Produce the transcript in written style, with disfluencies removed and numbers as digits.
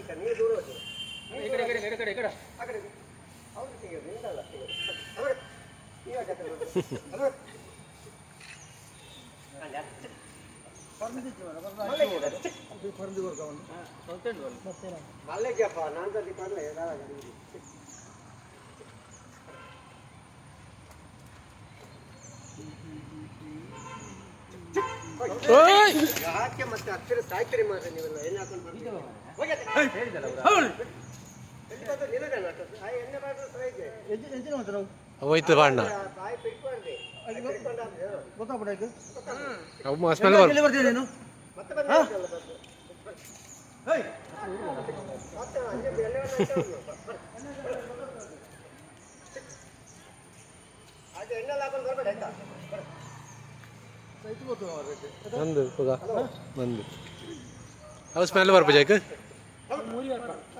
ನೀವು ದೂರ ಹೋಗಿ ಈ ಕಡೆ ಈ ಕಡೆ ಈ ಕಡೆ ಈ ಕಡೆ ಆ ಕಡೆ ಅವರು ತೆಗೆಯೋದು ನಿಂದಲ್ಲ ತೆಗೆಯೋದು ಈಗ ಜೊತೆ ಮಲ್ಲೆಗೆಪ್ಪ ನಾನು ಸತಿ ಪರ್ಲೆ ಯಾಕೆ ಮತ್ತೆ ಅಕ್ಷರ ಸಾಯ್ತೀರಿ ಮಾತ್ರ ನೀವೆಲ್ಲ ಎಣ್ಣೆ ಹಾಕೊಂಡು ಹೋಯ್ತು ಬಾಣ್ಣ ಬಂದು ಬಂದು ಅವು ಸ್ಮೆಲ್ ಬರ್ಬೋದು